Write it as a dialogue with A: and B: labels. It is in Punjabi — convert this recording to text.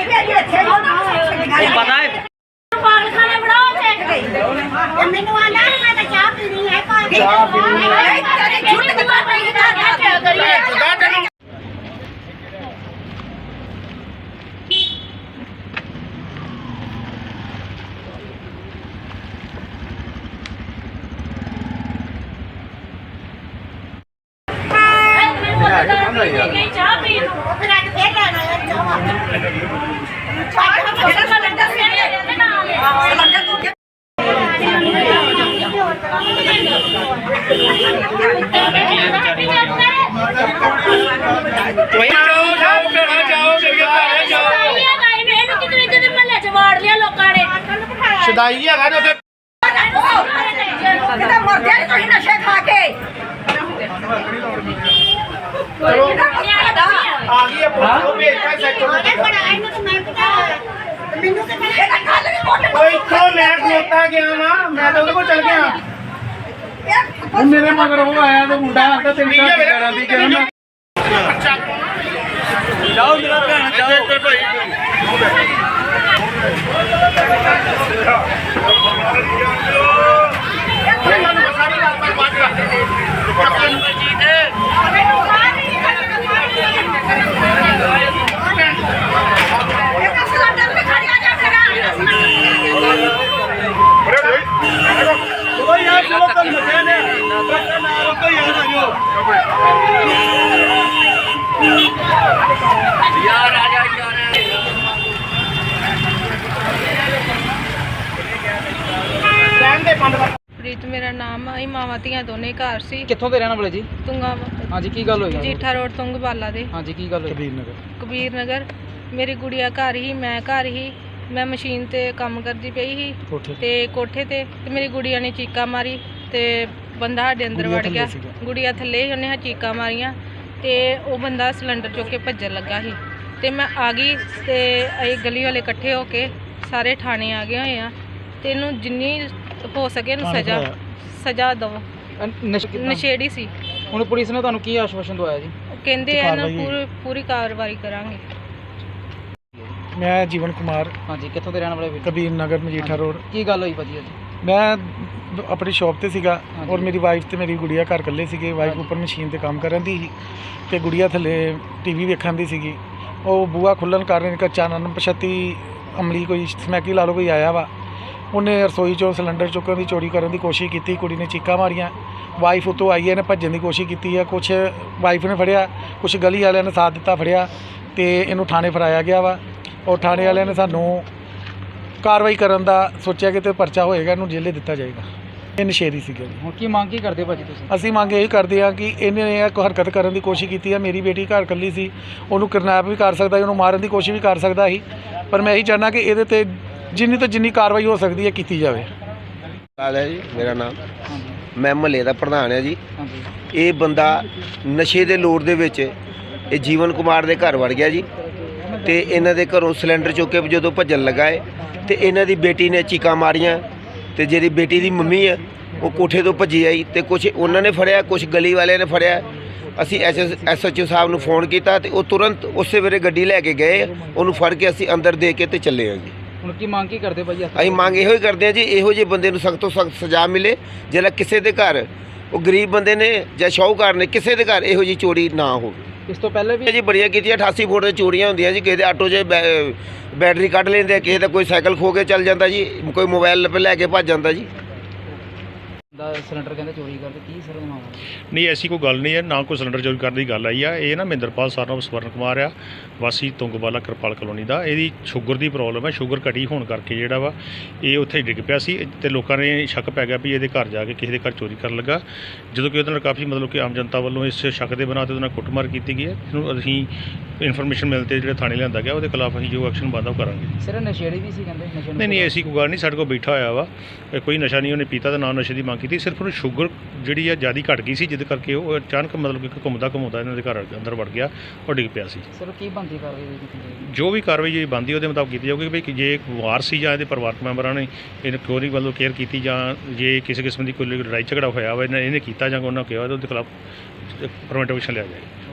A: पता है
B: खाने बनाओ मैनू आना मैं तो चाह पीनी है चाह पी फिर आज फिर लेना है
C: ਸ਼ਦਾਈ ਹੈਗਾ ਨੇ ਉੱਥੇ
B: ਮਰ ਜਾਏ ਤੁਸੀਂ ਨਸ਼ੇ ਖਾ ਕੇ
C: ਚਲੋ ਆ ਗਈ ਹੈ ਪੁਲਿਸ ਨੂੰ ਭੇਜਦਾ ਸੈਕਟਰ ਨੂੰ
B: ਮੈਨੂੰ ਤੇ ਇਹਦਾ ਕੱਲ ਵੀ ਮੋਟੇ
C: ਓਏ ਇੱਥੋਂ ਮੈਂ ਖਲੋਤਾ ਗਿਆ ਵਾਂ ਮੈਂ ਤਾਂ ਉਹਦੇ ਕੋਲ ਚਲ ਗਿਆ ਹੁਣ ਮੇਰੇ ਮਗਰ ਉਹ ਆਇਆ ਤੇ ਮੁੰਡਾ ਆਂਦਾ ਤੇਰੀ ਘਰ ਦੀ ਕਰਾਂ ਦੀ ਕਿਹਾ ਮੈਂ ਜਾਓ ਮੇਰਾ ਭੈਣ ਜਾਓ ਇੱਧਰ ਭਾਈ ਸਾਰੀ ਗੱਲ ਪਰ ਬਾਤ ਕਰਦੇ ਨੇ चलो कल मचाने यार आ जा
D: ਪ੍ਰੀਤ ਮੇਰਾ ਨਾਮ ਹੈ। ਮਾਵਾਂ ਧੀਆਂ ਦੋਨੇ ਘਰ ਸੀ।
A: कित्थों दे रहने वाले जी?
D: ਤੁੰਗਾ
A: हाँ जी की गल होई?
D: ਜੀਠਾ ਰੋਡ ਤੁੰਗਵਾਲਾ ਦੇ।
A: हाँ जी की गल होई?
D: ਕਬੀਰ ਨਗਰ ਮੇਰੀ ਗੁੜੀਆ ਘਰ ਹੀ, ਮੈਂ ਘਰ ਹੀ। ਮੈਂ ਮਸ਼ੀਨ ਤੇ ਕੰਮ ਕਰਦੀ ਪਈ ਸੀ ਤੇ ਕੋਠੇ ਤੇ ਮੇਰੀ ਗੁੜੀਆ ਨੇ ਚੀਕਾਂ ਮਾਰੀ ਤੇ ਬੰਦਾ ਸਾਡੇ ਅੰਦਰ ਵੜ ਗਿਆ। ਗੁੜੀਆ ਥੱਲੇ ਹੀ, ਉਹਨੇ ਚੀਕਾਂ ਮਾਰੀਆਂ ਤੇ ਉਹ ਬੰਦਾ ਸਿਲੰਡਰ ਚੁੱਕ ਕੇ ਭੱਜਣ ਲੱਗਾ ਸੀ ਤੇ ਮੈਂ ਆ ਗਈ ਤੇ ਅਸੀਂ ਗਲੀ ਵਾਲੇ ਇਕੱਠੇ ਹੋ ਕੇ ਸਾਰੇ ਥਾਣੇ ਆ ਗਏ ਹੋਏ ਆ ਤੇ ਇਹਨੂੰ ਜਿੰਨੀ ਹੋ ਸਕੇ ਇਹਨੂੰ ਸਜ਼ਾ ਦਿਓ। ਨਸ਼ੇੜੀ ਸੀ।
A: ਹੁਣ ਪੁਲਿਸ ਨੇ ਤੁਹਾਨੂੰ ਕੀ ਆਸ਼ਵਾਸਨ ਦਵਾਇਆ ਜੀ?
D: ਉਹ ਕਹਿੰਦੇ ਆ ਨਾ ਪੂਰੀ ਕਾਰਵਾਈ ਕਰਾਂਗੇ।
C: मैं जीवन कुमार
A: हाँ जी कित्थों दे रहने वाले?
C: कबीर नगर मजीठा रोड।
A: की गल होई भाजी जी?
C: मैं अपनी शॉप ते सीगा
A: हाँ
C: और मेरी वाइफ ते मेरी गुड़िया घर कल्ले सीगे। वाइफ ऊपर मशीन ते काम करन दी ते गुड़िया थल्ले टीवी वेखण दी सीगी। ਉਹ ਬੂਆ ਖੁੱਲਣ ਕਾਰਨ ਇੱਕ ਅਣਪਛਾਤੀ ਅਮਲੀ ਕੋਈ ਸਮੈਕੀ ਲਾ ਲਓ ਕੋਈ ਆਇਆ ਵਾ। ਉਹਨੇ ਰਸੋਈ 'ਚੋਂ ਸਿਲੰਡਰ ਚੁੱਕਣ ਦੀ ਚੋਰੀ ਕਰਨ ਦੀ ਕੋਸ਼ਿਸ਼ ਕੀਤੀ। ਕੁੜੀ ਨੇ ਚੀਕਾਂ ਮਾਰੀਆਂ। ਵਾਈਫ ਉੱਤੋਂ ਆਈ ਹੈ ਨੇ ਭੱਜਣ ਦੀ ਕੋਸ਼ਿਸ਼ ਕੀਤੀ ਹੈ। ਕੁਛ ਵਾਈਫ ਨੇ ਫੜਿਆ, ਕੁਛ ਗਲੀ ਵਾਲਿਆਂ ਨੇ ਸਾਥ ਦਿੱਤਾ, ਫੜਿਆ ਤੇ ਇਹਨੂੰ ਥਾਣੇ ਫੜਾਇਆ ਗਿਆ ਵਾ। ਔਰ ਥਾਣੇ ਵਾਲਿਆਂ ਨੇ ਸਾਨੂੰ ਕਾਰਵਾਈ ਕਰਨ ਦਾ ਸੋਚਿਆ ਕਿ ਤੇ ਪਰਚਾ ਹੋਏਗਾ, ਇਹਨੂੰ ਜੇਲੇ ਦਿੱਤਾ ਜਾਏਗਾ। ਇਹ ਨਸ਼ੇੜੀ ਸੀਗਾ ਜੀ।
A: ਹੁਣ ਕੀ ਮੰਗ ਕੀ ਕਰਦੇ ਭਾਜੀ ਤੁਸੀਂ?
C: ਅਸੀਂ ਮੰਗ ਇਹੀ ਕਰਦੇ ਹਾਂ ਕਿ ਇਹਨੇ ਇਹ ਹਰਕਤ ਕਰਨ ਦੀ ਕੋਸ਼ਿਸ਼ ਕੀਤੀ ਹੈ। ਮੇਰੀ ਬੇਟੀ ਘਰ ਇਕੱਲੀ ਸੀ, ਉਹਨੂੰ ਕਿਡਨੈਪ ਵੀ ਕਰ ਸਕਦਾ ਸੀ, ਉਹਨੂੰ ਮਾਰਨ ਦੀ ਕੋਸ਼ਿਸ਼ ਵੀ ਕਰ ਸਕਦਾ ਸੀ। ਪਰ ਮੈਂ ਇਹੀ ਚਾਹੁੰਦਾ ਕਿ ਇਹਦੇ ਤੇ ਜਿੰਨੀ ਤੋਂ ਜਿੰਨੀ ਕਾਰਵਾਈ ਹੋ ਸਕਦੀ ਹੈ ਕੀਤੀ ਜਾਵੇ।
E: ਲਾਲ ਹੈ ਜੀ ਮੇਰਾ ਨਾਮ। ਮੈਂ ਮਹੱਲੇ ਦਾ ਪ੍ਰਧਾਨ ਹਾਂ ਜੀ।
A: हाँ जी
E: ਇਹ ਬੰਦਾ ਨਸ਼ੇ ਦੇ ਲੋੜ ਦੇ ਵਿੱਚ ਇਹ ਜੀਵਨ ਕੁਮਾਰ ਦੇ ਘਰ ਵੜ ਗਿਆ ਜੀ ਤੇ ਇਹਨਾਂ ਦੇ ਘਰੋਂ ਸਿਲੰਡਰ ਚੁੱਕ ਕੇ ਜਦੋਂ ਭੱਜਣ ਲੱਗਾ ਹੈ ਤੇ ਇਹਨਾਂ ਦੀ ਬੇਟੀ ਨੇ ਚੀਕਾਂ ਮਾਰੀਆਂ ਤੇ ਜਿਹੜੀ ਬੇਟੀ ਦੀ ਮੰਮੀ ਹੈ ਉਹ ਕੋਠੇ ਤੋਂ ਭੱਜੀ ਆਈ ਤੇ ਕੁਝ ਉਹਨਾਂ ਨੇ ਫੜਿਆ, ਕੁਝ ਗਲੀ ਵਾਲਿਆਂ ਨੇ ਫੜਿਆ। ਅਸੀਂ SHO ਸਾਹਿਬ ਨੂੰ ਫੋਨ ਕੀਤਾ ਤੇ ਉਹ ਤੁਰੰਤ ਉਸੇ ਵੇਲੇ ਗੱਡੀ ਲੈ ਕੇ ਗਏ। ਉਹਨੂੰ ਫੜ ਕੇ ਅਸੀਂ ਅੰਦਰ ਦੇ ਕੇ ਤੇ ਚੱਲੇ ਹਾਂ ਜੀ।
A: ਹੁਣ ਕੀ ਮੰਗ ਕੀ ਕਰਦੇ ਭਾਜੀ?
E: ਅਸੀਂ ਮੰਗ ਇਹੋ ਹੀ ਕਰਦੇ ਹਾਂ ਜੀ, ਇਹੋ ਜਿਹੇ ਬੰਦੇ ਨੂੰ ਸਖਤ ਤੋਂ ਸਖਤ ਸਜ਼ਾ ਮਿਲੇ। ਜਿਹੜਾ ਕਿਸੇ ਦੇ ਘਰ ਉਹ ਗਰੀਬ ਬੰਦੇ ਨੇ ਜਾਂ ਸ਼ਾਹੂਕਾਰ ਨੇ ਕਿਸੇ ਦੇ ਘਰ ਇਹੋ ਜਿਹੀ ਚੋਰੀ ਨਾ ਹੋਵੇ।
A: ਇਸ ਤੋਂ ਪਹਿਲੇ ਵੀ
E: ਜੀ ਬੜੀਆਂ ਕੀਤੀਆਂ। 88 ਫੁੱਟ ਦੇ ਚੋਰੀਆਂ ਹੁੰਦੀਆਂ ਜੀ। ਕਿਸੇ ਦੇ ਆਟੋ 'ਚ ਬੈਟਰੀ ਕੱਢ ਲੈਂਦੇ, ਕਿਸੇ ਦਾ ਕੋਈ ਸਾਈਕਲ ਖੋ ਕੇ ਚੱਲ ਜਾਂਦਾ ਜੀ, ਕੋਈ ਮੋਬਾਈਲ ਲੈ ਕੇ ਭੱਜ ਜਾਂਦਾ ਜੀ।
A: ਦਾ ਸਿਲੰਡਰ ਕਹਿੰਦੇ ਚੋਰੀ ਕਰਦੇ, ਕੀ ਸਰ ਮਾਮਲਾ?
F: ਨਹੀਂ ਐਸੀ ਕੋਈ ਗੱਲ ਨਹੀਂ ਹੈ, ਨਾ ਕੋਈ ਸਿਲੰਡਰ ਚੋਰੀ ਕਰਨ ਦੀ ਗੱਲ ਆਈ ਆ। ਇਹ ਨਾ ਮਹਿੰਦਰਪਾਲ ਸਰਨ ਸਵਰਨ ਕੁਮਾਰ ਆ, ਵਾਸੀ ਤੁੰਗਵਾਲਾ ਕਿਰਪਾਲ ਕਲੋਨੀ ਦਾ। ਇਹਦੀ ਸ਼ੂਗਰ ਦੀ ਪ੍ਰੋਬਲਮ ਹੈ। ਸ਼ੂਗਰ ਘਟੀ ਹੋਣ ਕਰਕੇ ਜਿਹੜਾ ਵਾ ਇਹ ਉੱਥੇ ਡਿੱਗ ਪਿਆ ਸੀ ਤੇ ਲੋਕਾਂ ਨੇ ਸ਼ੱਕ ਪੈ ਗਿਆ ਵੀ ਇਹਦੇ ਘਰ ਜਾ ਕੇ ਕਿਸੇ ਦੇ ਘਰ ਚੋਰੀ ਕਰਨ ਲੱਗਾ। ਜਦੋਂ ਕਿ ਉਹਦੇ ਨਾਲ ਕਾਫੀ ਮਤਲਬ ਕਿ ਆਮ ਜਨਤਾ ਵੱਲੋਂ ਇਸ ਸ਼ੱਕ ਦੇ ਬਣਾ ਤੇ ਉਹਦੇ ਨਾਲ ਕੁੱਟਮਾਰ ਕੀਤੀ ਗਈ ਹੈ। ਇਹਨੂੰ ਅਸੀਂ ਇਨਫੋਰਮੇਸ਼ਨ ਮਿਲ ਤੇ ਜਿਹੜਾ ਥਾਣੇ ਲਿਆਂਦਾ ਗਿਆ, ਉਹਦੇ ਖਿਲਾਫ ਅਸੀਂ ਜੋ ਐਕਸ਼ਨ ਬਣਦਾ ਉਹ ਕਰਾਂਗੇ।
A: ਸਿਰ ਨਸ਼ੇੜੀ ਵੀ ਸੀ ਕਹਿੰਦੇ? ਨਸ਼ੇ
F: ਨਹੀਂ ਐਸੀ ਕੋਈ ਗੱਲ ਨਹੀਂ। ਸਾਡੇ ਕੋਲ ਬੈਠਾ ਹੋਇਆ ਵਾ, ਕੋਈ ਨਸ਼ਾ ਨਹੀਂ ਉਹਨੇ ਪੀਤਾ ਤੇ ਨਾ ਨਸ਼ੇ ਦੀ ਮੰਗ ਕੀਤੀ। ਸਿਰਫ ਉਹਨੂੰ ਸ਼ੂਗਰ ਜਿਹੜੀ ਆ ਜ਼ਿਆਦਾ ਘਟ ਗਈ ਸੀ, ਜਿਹਦੇ ਕਰਕੇ ਉਹ ਅਚਾਨਕ ਮਤਲਬ ਕਿ ਘੁੰਮਦਾ ਇਹਨਾਂ ਦੇ ਘਰ ਅੰਦਰ ਵੜ ਗਿਆ, ਉਹ ਡਿੱਗ ਪਿਆ ਸੀ।
A: ਸਰ ਕੀ ਬਣਦੀ ਕਾਰਵਾਈ?
F: ਜੋ ਵੀ ਕਾਰਵਾਈ ਜਿਹੜੀ ਬਣਦੀ ਉਹਦੇ ਮੁਤਾਬਕ ਕੀਤੀ ਜਾਊਗੀ। ਵੀ ਜੇ ਇੱਕ ਵਾਰ ਸੀ ਜਾਂ ਇਹਦੇ ਪਰਿਵਾਰਕ ਮੈਂਬਰਾਂ ਨੇ ਇਹਨੂੰ ਚੋਰੀ ਵੱਲੋਂ ਕੇਅਰ ਕੀਤੀ ਜਾਂ ਜੇ ਕਿਸੇ ਕਿਸਮ ਦੀ ਕੋਈ ਲੜਾਈ ਝਗੜਾ ਹੋਇਆ ਵਾ ਇਹਨੇ ਕੀਤਾ ਜਾਂ ਉਹਨਾਂ ਕਿਹਾ ਉਹਦੇ ਖਿਲਾਫ ਪ੍ਰੀਵੈਂਟਿਵ ਐਕਸ਼ਨ ਲਿਆ ਜਾਏ।